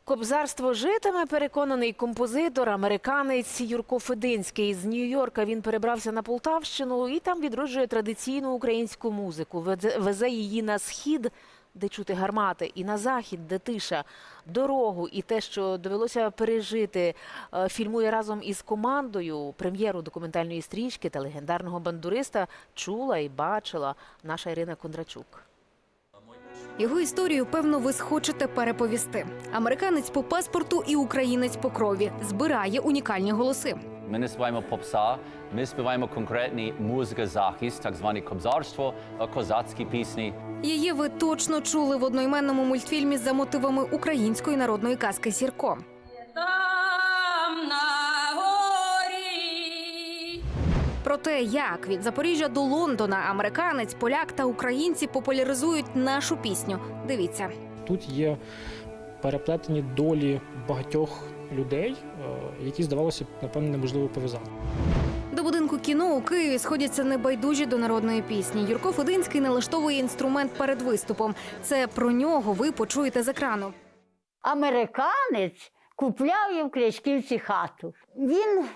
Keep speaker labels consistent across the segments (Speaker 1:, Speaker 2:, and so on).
Speaker 1: Кобзарство житиме, переконаний композитор, американець Юрко Фединський. З Нью-Йорка він перебрався на Полтавщину і там відроджує традиційну українську музику. Везе її на схід, де чути гармати, і на захід, де тиша. Дорогу і те, що довелося пережити, фільмує разом із командою. Прем'єру документальної стрічки та легендарного бандуриста чула і бачила наша Ірина Кондрачук.
Speaker 2: Його історію, певно, ви схочете переповісти. Американець по паспорту і українець по крові. Збирає унікальні голоси.
Speaker 3: Ми не співаємо попса, ми співаємо конкретні музика-захист, так зване кобзарство, козацькі пісні.
Speaker 2: Її ви точно чули в одноіменному мультфільмі за мотивами української народної казки «Сірко».
Speaker 4: Там на горі.
Speaker 2: Про те, як від Запоріжжя до Лондона американець, поляк та українці популяризують нашу пісню. Дивіться.
Speaker 5: Тут є переплетені долі багатьох людей, які, здавалося б, напевно, неможливо пов'язати.
Speaker 2: До будинку кіно у Києві сходяться небайдужі до народної пісні. Юрко Фединський налаштовує інструмент перед виступом. Це про нього ви почуєте з екрану.
Speaker 6: Американець купляв в Крячківці хату. Він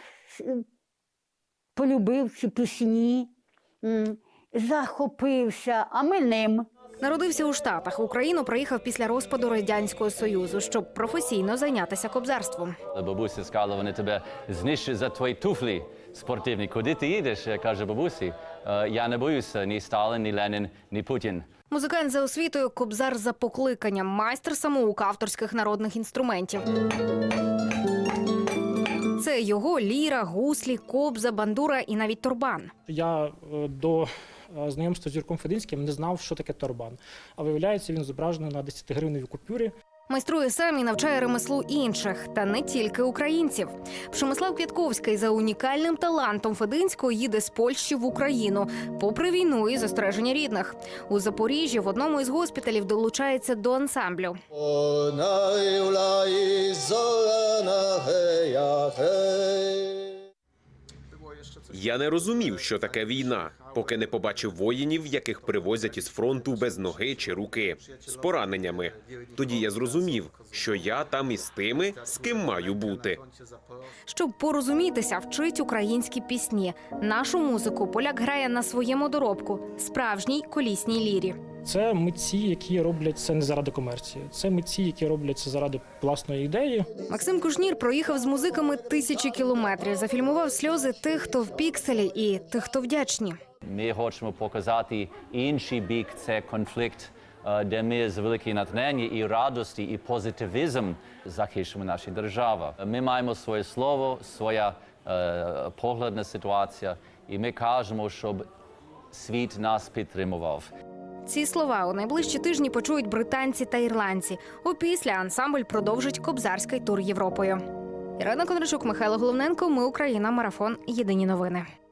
Speaker 6: полюбив ці пісні, захопився, а ми ним.
Speaker 2: Народився у Штатах. В Україну приїхав після розпаду Радянського Союзу, щоб професійно зайнятися кобзарством.
Speaker 3: Бабуся сказала, вони тебе знищать за твої туфлі спортивні. Куди ти їдеш? Каже бабусі. Я не боюся ні Сталін, ні Ленін, ні Путін.
Speaker 2: Музикант за освітою, кобзар за покликанням, майстер-самоук авторських народних інструментів. Це його ліра, гуслі, кобза, бандура і навіть торбан.
Speaker 5: Я до знайомства з Юрком Фединським не знав, що таке торбан. А виявляється, він зображений на 10-гривневій купюрі.
Speaker 2: Майструє сам і навчає ремеслу інших, та не тільки українців. Пшемислав Квятковський за унікальним талантом Фединського їде з Польщі в Україну, попри війну і застереження рідних. У Запоріжжі в одному із госпіталів долучається до ансамблю.
Speaker 7: Я не розумів, що таке війна, поки не побачив воїнів, яких привозять із фронту без ноги чи руки, з пораненнями. Тоді я зрозумів, що я там із тими, з ким маю бути.
Speaker 2: Щоб порозумітися, вчить українські пісні. Нашу музику поляк грає на своєму доробку – справжній колісній лірі.
Speaker 5: Це митці, які роблять це не заради комерції. Це митці, які роблять це заради власної ідеї.
Speaker 2: Максим Кушнір проїхав з музиками 1000 кілометрів. Зафільмував сльози тих, хто в пікселі, і тих, хто вдячні.
Speaker 3: Ми хочемо показати інший бік – це конфлікт, де ми з великим натхненням і радості, і позитивізм захищаємо нашу державу. Ми маємо своє слово, своя погляд на ситуацію, і ми кажемо, щоб світ нас підтримував.
Speaker 2: Ці слова у найближчі тижні почують британці та ірландці. Опісля ансамбль продовжить кобзарський тур Європою. Ірина Кондрачук, Михайло Головненко. Ми Україна. Марафон. Єдині новини.